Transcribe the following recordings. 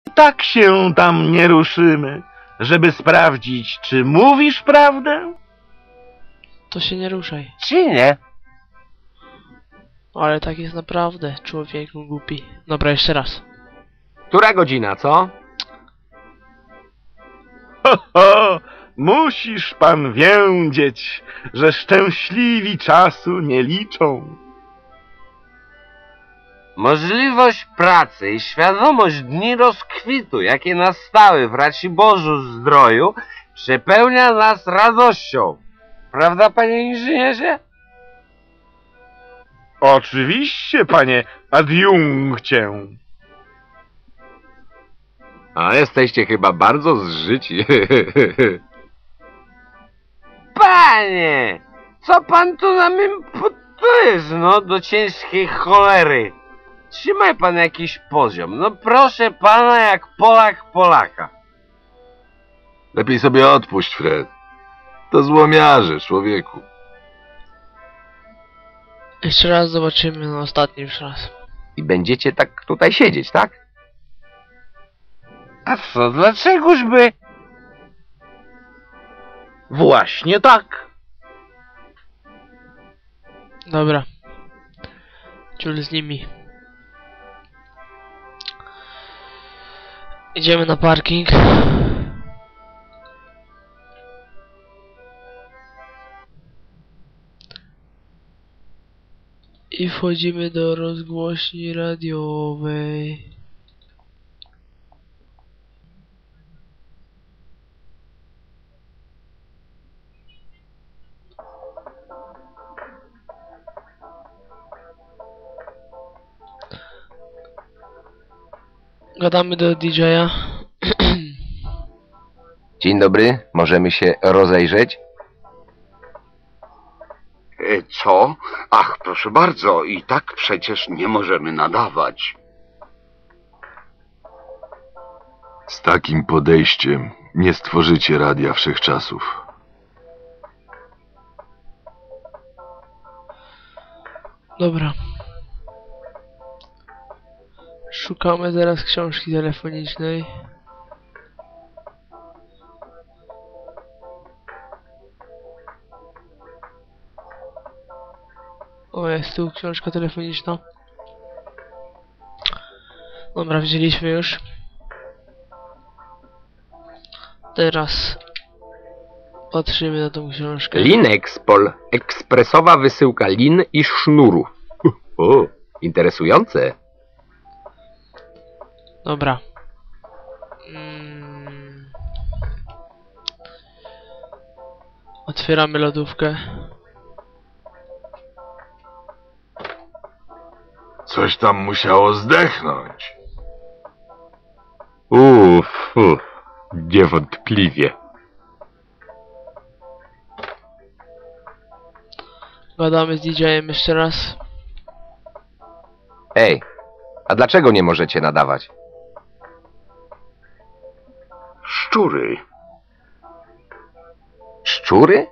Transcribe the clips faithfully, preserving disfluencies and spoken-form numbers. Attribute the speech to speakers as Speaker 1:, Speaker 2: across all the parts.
Speaker 1: Tak się tam nie ruszymy, żeby sprawdzić, czy mówisz prawdę?
Speaker 2: To się nie ruszaj.
Speaker 3: Czy nie?
Speaker 2: Ale tak jest naprawdę, człowieku głupi. Dobra, jeszcze raz.
Speaker 3: Która godzina, co?
Speaker 1: Ho, ho, musisz pan wiedzieć, że szczęśliwi czasu nie liczą.
Speaker 3: Możliwość pracy i świadomość dni rozkwitu, jakie nastały w Raciborzu Zdroju, przepełnia nas radością. Prawda, panie inżynierze?
Speaker 1: Oczywiście, panie adiunkcie.
Speaker 3: A jesteście chyba bardzo zżyci. Panie! Co pan tu nam imputujesz, no, do ciężkiej cholery? Trzymaj pan jakiś poziom. No proszę pana, jak Polak Polaka.
Speaker 4: Lepiej sobie odpuść, Fred. To złomiarze, człowieku.
Speaker 2: Jeszcze raz zobaczymy, no ostatni już raz.
Speaker 3: I będziecie tak tutaj siedzieć, tak? A co, dlaczegoż by?
Speaker 1: Właśnie tak.
Speaker 2: Dobra. Ciul z nimi. Idziemy na parking. I wchodzimy do rozgłośni radiowej. Gadamy do didżeja.
Speaker 3: Dzień dobry, możemy się rozejrzeć?
Speaker 5: Co? Ach, proszę bardzo, i tak przecież nie możemy nadawać.
Speaker 4: Z takim podejściem nie stworzycie Radia Wszechczasów.
Speaker 2: Dobra. Szukamy teraz książki telefonicznej. O, jest tu książka telefoniczna. Dobra, wzięliśmy już. Teraz patrzymy na tą książkę.
Speaker 3: Linexpol. Ekspresowa wysyłka lin i sznurów. O, interesujące.
Speaker 2: Dobra. Mm. Otwieramy lodówkę.
Speaker 4: Coś tam musiało zdechnąć.
Speaker 3: Uff, uff, niewątpliwie.
Speaker 2: Gadamy z didżejem jeszcze raz.
Speaker 3: Ej, a dlaczego nie możecie nadawać?
Speaker 5: Szczury.
Speaker 3: Szczury?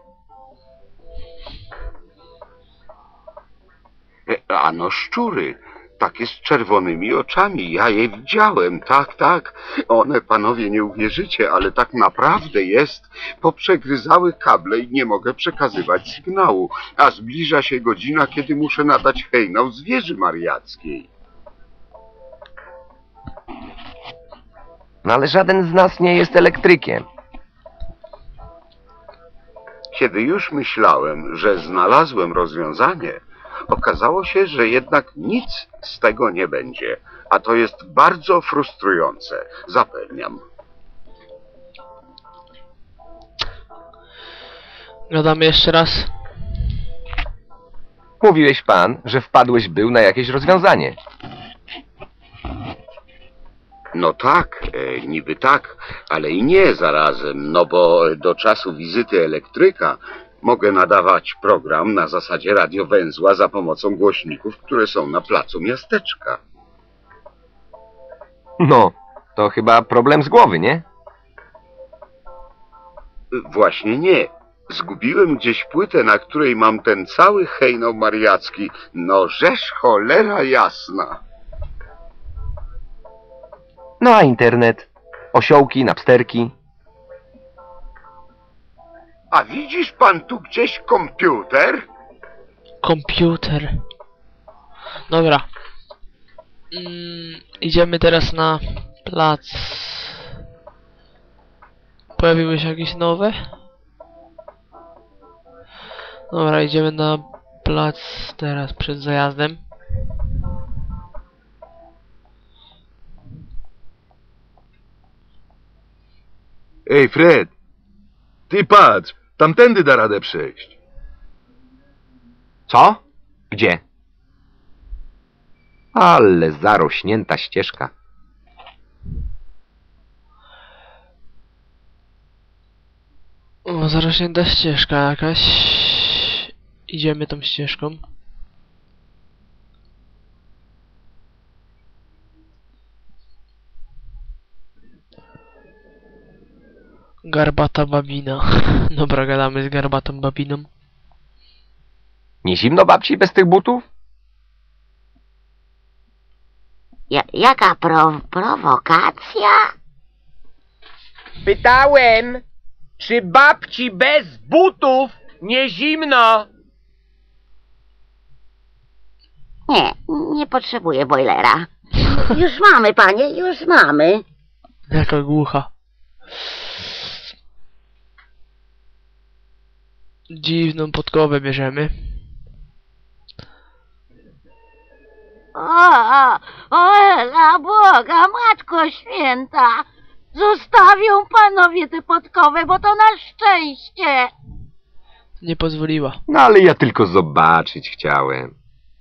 Speaker 5: E, Ano szczury. Takie z czerwonymi oczami. Ja je widziałem. Tak, tak. One, panowie, nie uwierzycie, ale tak naprawdę jest. Poprzegryzały kable i nie mogę przekazywać sygnału. A zbliża się godzina, kiedy muszę nadać hejnał z wieży mariackiej.
Speaker 3: No ale żaden z nas nie jest elektrykiem.
Speaker 5: Kiedy już myślałem, że znalazłem rozwiązanie, okazało się, że jednak nic z tego nie będzie, a to jest bardzo frustrujące, zapewniam.
Speaker 2: Gadamy jeszcze raz.
Speaker 3: Mówiłeś pan, że wpadłeś był na jakieś rozwiązanie.
Speaker 5: No tak, e, niby tak, ale i nie zarazem, no bo do czasu wizyty elektryka mogę nadawać program na zasadzie radiowęzła za pomocą głośników, które są na placu miasteczka.
Speaker 3: No, to chyba problem z głowy, nie?
Speaker 5: Właśnie nie. Zgubiłem gdzieś płytę, na której mam ten cały hejnał mariacki. No żeż cholera jasna.
Speaker 6: No a internet, osiołki, napsterki.
Speaker 5: A widzisz pan tu gdzieś komputer?
Speaker 2: Komputer. Dobra. Mm, idziemy teraz na plac. Pojawiły się jakieś nowe? Dobra, idziemy na plac teraz przed zajazdem.
Speaker 4: Ej, Fred! Ty patrz, tamtędy da radę przejść.
Speaker 6: Co? Gdzie? Ale zarośnięta ścieżka.
Speaker 2: O, zarośnięta ścieżka jakaś. Idziemy tą ścieżką. Garbata babina. Dobra, gadamy z garbatą babiną.
Speaker 6: Nie zimno babci bez tych butów?
Speaker 7: Ja, jaka pro, prowokacja?
Speaker 8: Pytałem, czy babci bez butów nie zimno?
Speaker 7: Nie, nie potrzebuję bojlera. Już mamy, panie, już mamy.
Speaker 2: Jaka głucha. Dziwną podkowę bierzemy.
Speaker 7: O, o, o, Ela, Boga, Matko Święta! Zostawią panowie tę podkowę, bo to na szczęście!
Speaker 2: Nie pozwoliła.
Speaker 6: No ale ja tylko zobaczyć chciałem.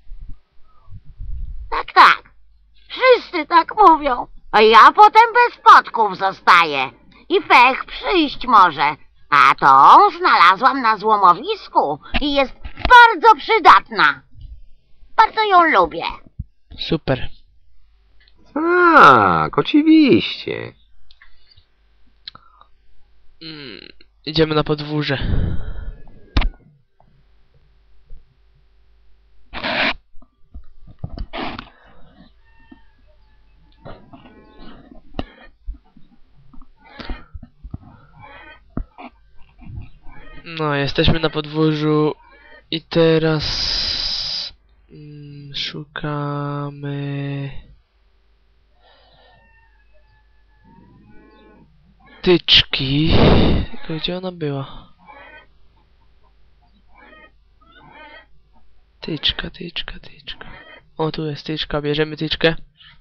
Speaker 7: Tak, tak. Wszyscy tak mówią. A ja potem bez podków zostaję. I fech przyjść może. A tą znalazłam na złomowisku i jest bardzo przydatna. Bardzo ją lubię.
Speaker 2: Super.
Speaker 6: Tak, oczywiście.
Speaker 2: Mm, idziemy na podwórze. No, jesteśmy na podwórzu i teraz mm, szukamy tyczki. Tylko gdzie ona była? Tyczka, tyczka, tyczka. O, tu jest tyczka, bierzemy tyczkę.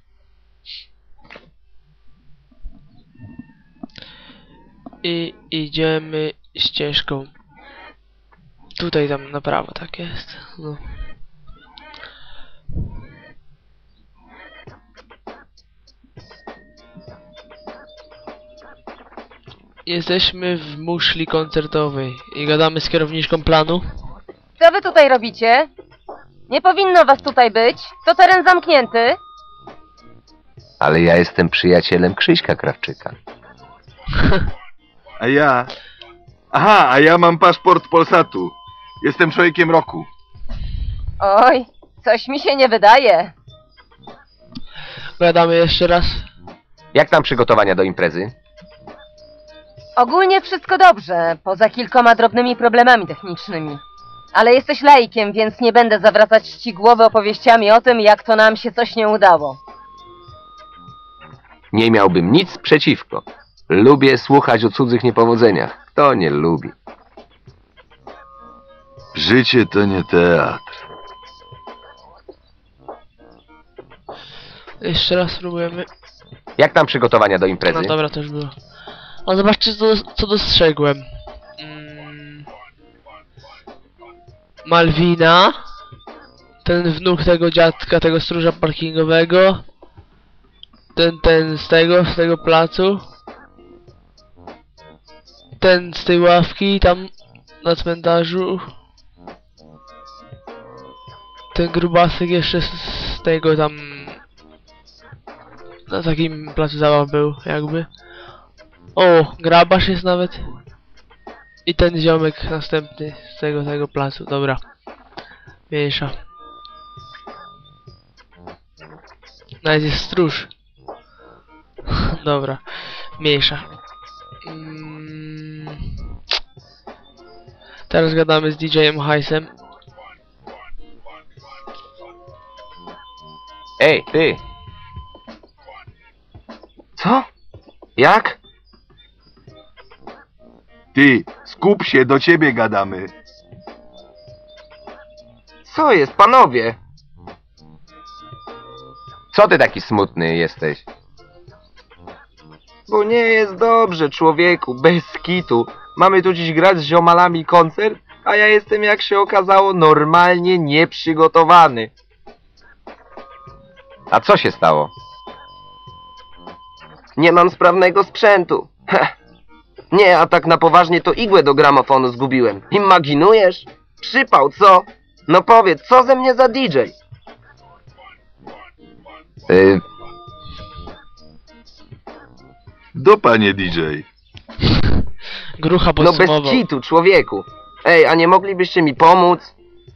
Speaker 2: I idziemy ścieżką. Tutaj tam na prawo, tak jest. No. Jesteśmy w muszli koncertowej i gadamy z kierowniczką planu.
Speaker 9: Co wy tutaj robicie? Nie powinno was tutaj być. To teren zamknięty.
Speaker 6: Ale ja jestem przyjacielem Krzyśka Krawczyka.
Speaker 4: A ja... Aha, a ja mam paszport Polsatu. Jestem człowiekiem roku.
Speaker 9: Oj, coś mi się nie wydaje.
Speaker 2: Gadamy jeszcze raz.
Speaker 6: Jak tam przygotowania do imprezy?
Speaker 9: Ogólnie wszystko dobrze, poza kilkoma drobnymi problemami technicznymi. Ale jesteś laikiem, więc nie będę zawracać ci głowy opowieściami o tym, jak to nam się coś nie udało.
Speaker 6: Nie miałbym nic przeciwko. Lubię słuchać o cudzych niepowodzeniach. Kto nie lubi?
Speaker 4: Życie to nie teatr.
Speaker 2: Jeszcze raz spróbujemy.
Speaker 6: Jak tam przygotowania do imprezy?
Speaker 2: No dobra, to już było. O, zobaczcie co, co dostrzegłem. Mm. Malwina. Ten wnuk tego dziadka, tego stróża parkingowego. Ten, ten z tego, z tego placu. Ten z tej ławki, tam na cmentarzu. Ten grubasek jeszcze z, z tego tam... Na takim placu zabaw był, jakby. O, grabarz jest nawet. I ten ziomek następny z tego, tego placu, dobra. Mniejsza. Nawet jest stróż. dobra. Mniejsza. Mm. Teraz gadamy z D J-em Hajsem.
Speaker 6: Ej, ty! Co? Jak?
Speaker 4: Ty, skup się, do ciebie gadamy.
Speaker 6: Co jest, panowie? Co ty taki smutny jesteś? Bo nie jest dobrze, człowieku, bez kitu. Mamy tu dziś grać z ziomalami koncert, a ja jestem, jak się okazało, normalnie nieprzygotowany. A co się stało? Nie mam sprawnego sprzętu. Heh. Nie, a tak na poważnie to igłę do gramofonu zgubiłem. Imaginujesz? Przypał, co? No powiedz, co ze mnie za D J? Yy...
Speaker 4: Dupa, nie D J.
Speaker 2: Grucha
Speaker 6: No
Speaker 2: podsumował.
Speaker 6: bez kitu, człowieku. Ej, a nie moglibyście mi pomóc?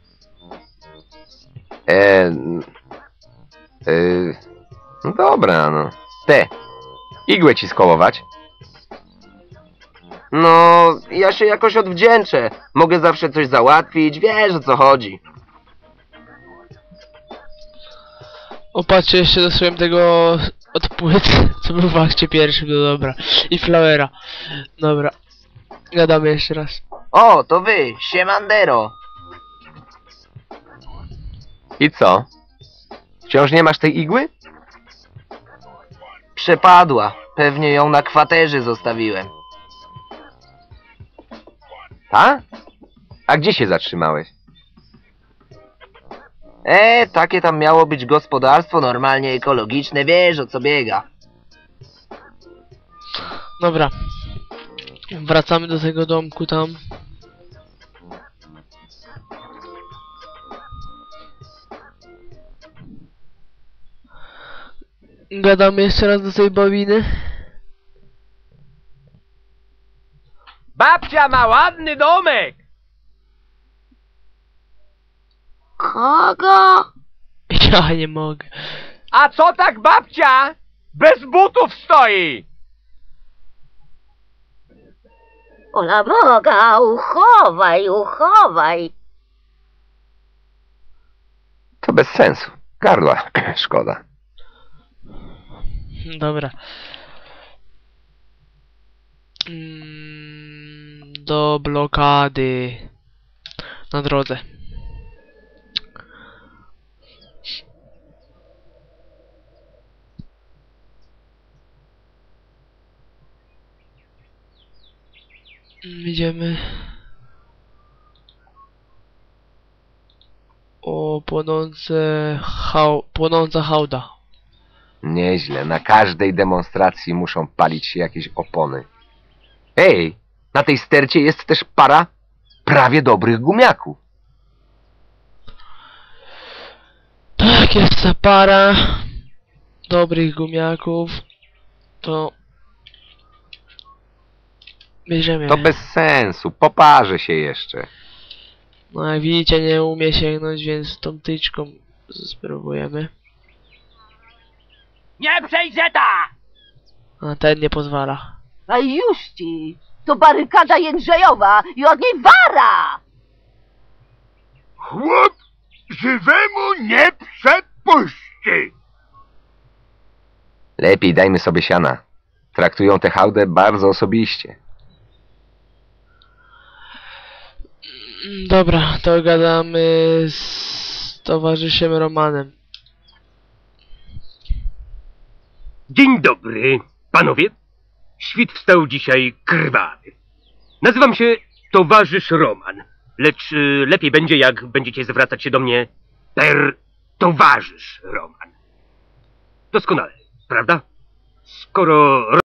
Speaker 6: Eee... Yy... No dobra, no. Te, igłę ci skołować? No, ja się jakoś odwdzięczę. Mogę zawsze coś załatwić, wiesz, o co chodzi.
Speaker 2: Opatrzcie jeszcze dosłownie tego od płyt, co był w akcie pierwszym, no dobra. I Flowera. Dobra. Gadamy jeszcze raz.
Speaker 6: O, to wy, siemandero. I co? Wciąż nie masz tej igły? Przepadła. Pewnie ją na kwaterze zostawiłem. A? A gdzie się zatrzymałeś? E, takie tam miało być gospodarstwo normalnie ekologiczne, wiesz o co biega.
Speaker 2: Dobra. Wracamy do tego domku tam. Gadamy jeszcze raz do tej bawiny.
Speaker 8: Babcia ma ładny domek!
Speaker 7: Kogo?
Speaker 2: Ja nie mogę.
Speaker 8: A co tak babcia bez butów stoi?
Speaker 7: Ola Boga, uchowaj, uchowaj.
Speaker 6: To bez sensu. Gardła, szkoda.
Speaker 2: Dobra. Mm, do blokady. Na drodze. Idziemy. O, płonące hał... płonąca hałda.
Speaker 6: Nieźle, na każdej demonstracji muszą palić się jakieś opony. Ej, na tej stercie jest też para prawie dobrych gumiaków.
Speaker 2: Tak, jest ta para dobrych gumiaków. To bierzemy.
Speaker 6: To bez sensu, poparzę się jeszcze.
Speaker 2: No jak widzicie, nie umie sięgnąć, więc tą tyczką spróbujemy.
Speaker 8: Nie przejdzie ta!
Speaker 2: A ten nie pozwala.
Speaker 9: A już ci! To barykada Jędrzejowa i od niej wara!
Speaker 5: Chłop żywemu nie przepuści.
Speaker 6: Lepiej dajmy sobie siana. Traktują tę hałdę bardzo osobiście.
Speaker 2: Mm, Dobra, to gadamy z towarzyszem Romanem.
Speaker 10: Dzień dobry, panowie. Świt wstał dzisiaj krwawy. Nazywam się towarzysz Roman, lecz y, lepiej będzie, jak będziecie zwracać się do mnie per towarzysz Roman. Doskonale, prawda? Skoro